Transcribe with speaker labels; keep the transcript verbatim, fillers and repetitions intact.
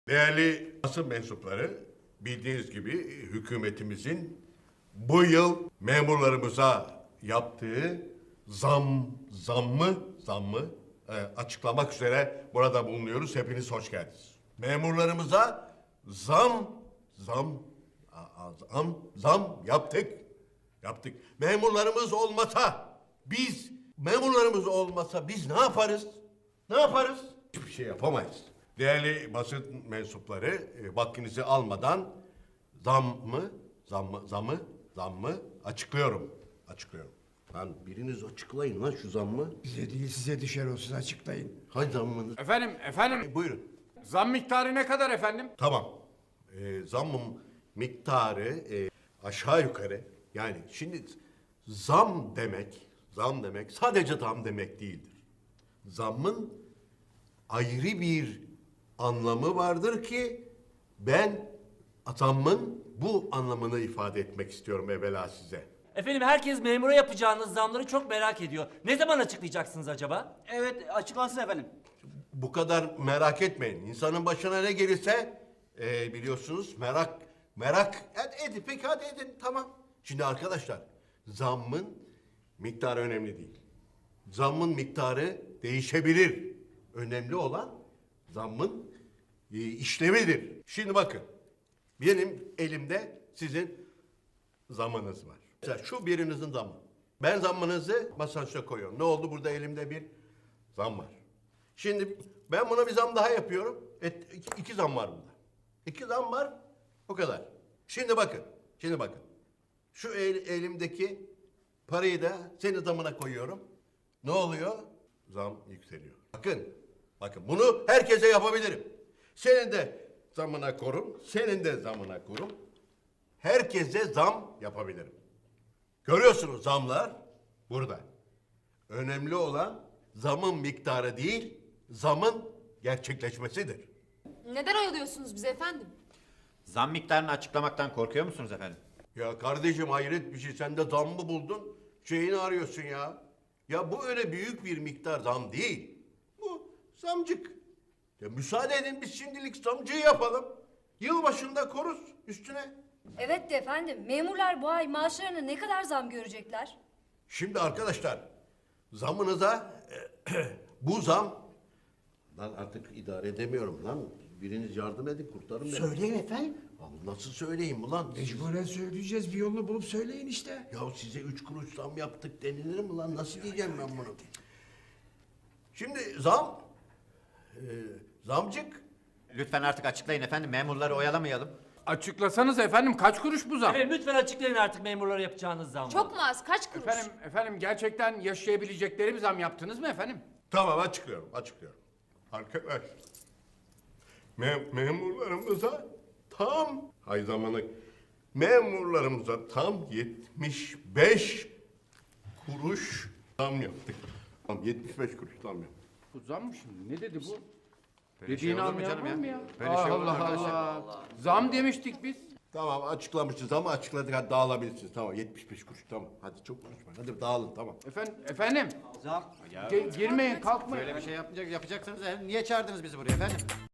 Speaker 1: Değerli basın mensupları, bildiğiniz gibi hükümetimizin bu yıl memurlarımıza yaptığı zam, zammı, zammı e, açıklamak üzere burada bulunuyoruz. Hepiniz hoş geldiniz. Memurlarımıza zam, zam, a- a- zam, zam yaptık. Yaptık. Memurlarımız olmasa, biz, memurlarımız olmasa biz ne yaparız? Ne yaparız? Hiçbir şey yapamayız. Değerli basın mensupları, e, vaktinizi almadan zammı, zammı, zamı, zammı açıklıyorum. Açıklıyorum. Lan biriniz açıklayın lan şu zammı.
Speaker 2: Bize değil size düşer o, siz açıklayın.
Speaker 1: Hay zammınız.
Speaker 3: Efendim, efendim.
Speaker 1: E, buyurun.
Speaker 3: Zam miktarı ne kadar efendim?
Speaker 1: Tamam. E, zammın miktarı e, aşağı yukarı. Yani şimdi zam demek, zam demek sadece zam demek değildir. Zammın ayrı bir anlamı vardır ki ben zammın bu anlamını ifade etmek istiyorum evvela size.
Speaker 4: Efendim herkes memura yapacağınız zamları çok merak ediyor. Ne zaman açıklayacaksınız acaba?
Speaker 5: Evet, açıklansın efendim.
Speaker 1: Bu kadar merak etmeyin. İnsanın başına ne gelirse e, biliyorsunuz merak merak ed, edin. Peki hadi edin tamam. Şimdi arkadaşlar zammın miktarı önemli değil. Zammın miktarı değişebilir. Önemli olan zammın e, işlemidir. Şimdi bakın benim elimde sizin zammınız var. Mesela şu birinizin zammı. Ben zammınızı masanın üstüne koyuyorum. Ne oldu? Burada elimde bir zam var. Şimdi ben buna bir zam daha yapıyorum. Et, iki, iki zam var burada. İki zam var. O kadar. Şimdi bakın. Şimdi bakın. Şu el, elimdeki parayı da senin zamına koyuyorum. Ne oluyor? Zam yükseliyor. Bakın. Bakın bunu herkese yapabilirim. Senin de zamına korum. Senin de zamına korum. Herkese zam yapabilirim. Görüyorsunuz zamlar burada. Önemli olan zamın miktarı değil, zamın gerçekleşmesidir.
Speaker 6: Neden oyalıyorsunuz bizi efendim?
Speaker 7: Zam miktarını açıklamaktan korkuyor musunuz efendim?
Speaker 1: Ya kardeşim hayret bir şey. Sen de zam mı buldun? Şeyini arıyorsun ya. Ya bu öyle büyük bir miktar zam değil. Bu zamcık. Ya müsaade edin biz şimdilik zamcıyı yapalım. Yılbaşında koruz üstüne.
Speaker 8: Evet de efendim, memurlar bu ay maaşlarına ne kadar zam görecekler?
Speaker 1: Şimdi arkadaşlar zamınıza bu zam lan artık idare edemiyorum lan. Biriniz yardım edin kurtarın beni.
Speaker 2: Söyleyin efendim.
Speaker 1: Abi nasıl söyleyeyim ulan?
Speaker 2: Mecburen söyleyeceğiz, bir yolunu bulup söyleyin işte.
Speaker 1: Ya size üç kuruş zam yaptık denilir mi lan? Nasıl diyeceğim ben bunu? Şimdi zam, e, zamcık.
Speaker 7: Lütfen artık açıklayın efendim. Memurları oyalamayalım.
Speaker 3: Açıklasanız efendim kaç kuruş bu zam?
Speaker 4: Efendim lütfen açıklayın artık memurlara yapacağınız zamları.
Speaker 6: Çok mu az? Kaç kuruş?
Speaker 3: Efendim, efendim gerçekten yaşayabilecekleri bir zam yaptınız mı efendim?
Speaker 1: Tamam açıklıyorum, açıklıyorum. Arkadaş, me- memurlarımıza tam, hay zamanı, memurlarımıza tam yetmiş beş kuruş zam yaptık. Tam yetmiş beş kuruş zam yaptık.
Speaker 3: Bu zam mı şimdi? Ne dedi bu?
Speaker 7: Böyle
Speaker 3: Dediğini
Speaker 7: şey olur mu
Speaker 3: anlayan
Speaker 7: canım
Speaker 3: var
Speaker 7: ya?
Speaker 3: mı ya?
Speaker 7: Böyle şey olur mu
Speaker 3: Allah
Speaker 7: arkadaşlar?
Speaker 3: Allah. Zam demiştik biz.
Speaker 1: Tamam açıklamışız ama açıkladık hadi dağılabilirsiniz. Tamam yetmiş beş kuruş tamam. Hadi çok konuşmayın. Hadi dağılın tamam.
Speaker 3: Efendim, efendim.
Speaker 5: Zam.
Speaker 3: Ge- girmeyin, kalkmayın.
Speaker 7: Böyle bir şey yapacak, yapacaksanız e, niye çağırdınız bizi buraya efendim?